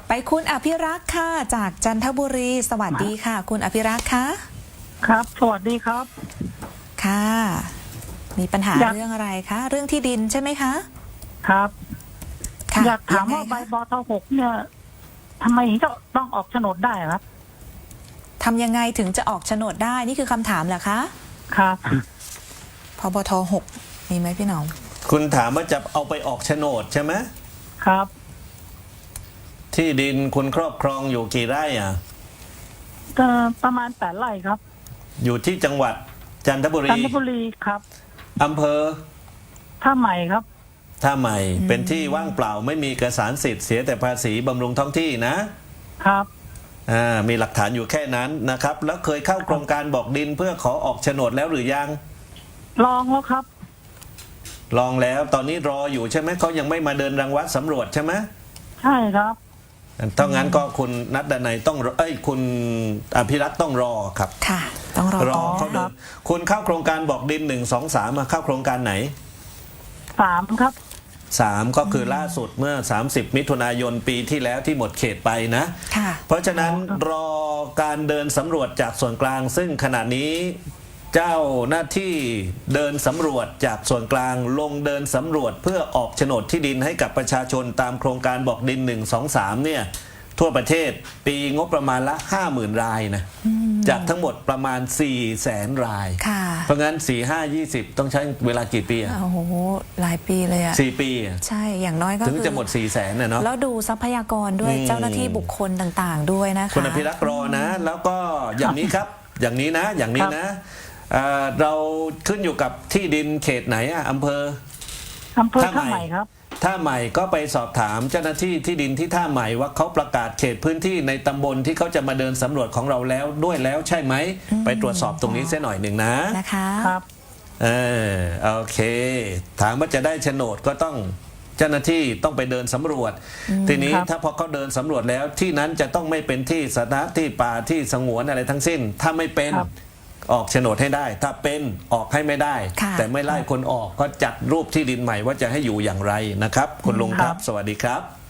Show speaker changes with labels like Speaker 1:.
Speaker 1: ไปคุณอภิรักษ์ค่ะจากจันทบุรีสวัสดีค่ะ คุณอภิรักษ์คะ
Speaker 2: ครับสวัสดีครับ
Speaker 1: ค่ะมีปัญหาเรื่องอะไรคะเรื่องที่ดินใช่ไหมคะ
Speaker 2: ครับอยากถามว่าใบ
Speaker 1: ยังไงคะ
Speaker 2: บท.6เนี่ยทำไมจะต้องออกโฉนดได้ครับ
Speaker 1: ทำยังไงถึงจะออกโฉนดได้นี่คือคำถามเหรอคะ
Speaker 2: ครับ
Speaker 1: พบท.6มีไหมพี่หนอม
Speaker 3: คุณถามว่าจะเอาไปออกโฉนดใช่ไหม
Speaker 2: ครับ
Speaker 3: ที่ดินคุณครอบครองอยู่กี่ไร่อ่ะ
Speaker 2: ประมาณ8 ไร่ครับ
Speaker 3: อยู่ที่จังหวัดจันทบุรี
Speaker 2: ครับ
Speaker 3: อำเภอ
Speaker 2: ท่าใหม่ครับ
Speaker 3: ท่าใหม่เป็นที่ว่างเปล่าไม่มีเอกสารสิทธิ์เสียแต่ภาษีบำรุงท้องที่นะครับมีหลักฐานอยู่แค่นั้นนะครับแล้วเคยเข้าโครงการบอกดินเพื่อขอออกโฉนดแล้วหรือยัง
Speaker 2: ลองแล้วครับ
Speaker 3: ลองแล้วตอนนี้รออยู่ใช่ไหมเขายังไม่มาเดินรังวัดสำรวจใช่ไหม
Speaker 2: ใช่ครับ
Speaker 3: ถ้างั้นก็คุณนัดดนัยต้องคุณอภิรักษ์ต้องรอครับ
Speaker 1: ค่ะต้องรอ
Speaker 3: เขาเดินคุณเข้าโครงการบอกดิน1 2 3มาเข้าโครงการไหน
Speaker 2: 3ครับ
Speaker 3: 3ก็คือล่าสุดเมื่อ30 มิถุนายนปีที่แล้วที่หมดเขตไปนะเพราะฉะนั้นรอการเดินสำรวจจากส่วนกลางซึ่งขณะนี้เจ้าหน้าที่เดินสำรวจจากส่วนกลางลงเดินสำรวจเพื่อออกโฉนดที่ดินให้กับประชาชนตามโครงการบอกดิน1 2 3เนี่ยทั่วประเทศปีงบประมาณละ 50,000 รายนะจากทั้งหมดประมาณ 400,000 รายเพราะงั้น4 5 20ต้องใช้เวลากี่ปี
Speaker 1: โอ้โหหลายปีเลยอะ
Speaker 3: 4 ปี
Speaker 1: ใช่อย่างน้อยก็
Speaker 3: ถึงจะหมด 400,000นะเนาะ
Speaker 1: แล้วดูทรัพยากรด้วยเจ้าหน้าที่บุคคลต่างๆด้วยนะคะ
Speaker 3: คุณอภิรักษ์รอนะแล้วก็อย่างนี้ครับอย่างนี้นะเราขึ้นอยู่กับที่ดินเขตไหนอำเภอ
Speaker 2: ท่าใหม่ครับ
Speaker 3: ท่าใหม่ก็ไปสอบถามเจ้าหน้าที่ที่ดินที่ท่าใหม่ว่าเขาประกาศเขตพื้นที่ในตำบลที่เขาจะมาเดินสำรวจของเราแล้วด้วยแล้วใช่ไหมไปตรวจสอบตรงนี้เสียหน่อยหนึ่ง
Speaker 1: นะคะ
Speaker 2: ครับ
Speaker 3: โอเคถามว่าจะได้โฉนดก็ต้องเจ้าหน้าที่ต้องไปเดินสำรวจทีนี้ถ้าพอเขาเดินสำรวจแล้วที่นั้นจะต้องไม่เป็นที่สาธารณะที่ป่าที่สงวนอะไรทั้งสิ้นถ้าไม่เป็นออกโฉนดให้ได้ถ้าเป็นออกให้ไม่ได้แต่ไม่ไล่คนออกก็จัดรูปที่ดินใหม่ว่าจะให้อยู่อย่างไรนะครับคุณลุงครับสวัสดีครับ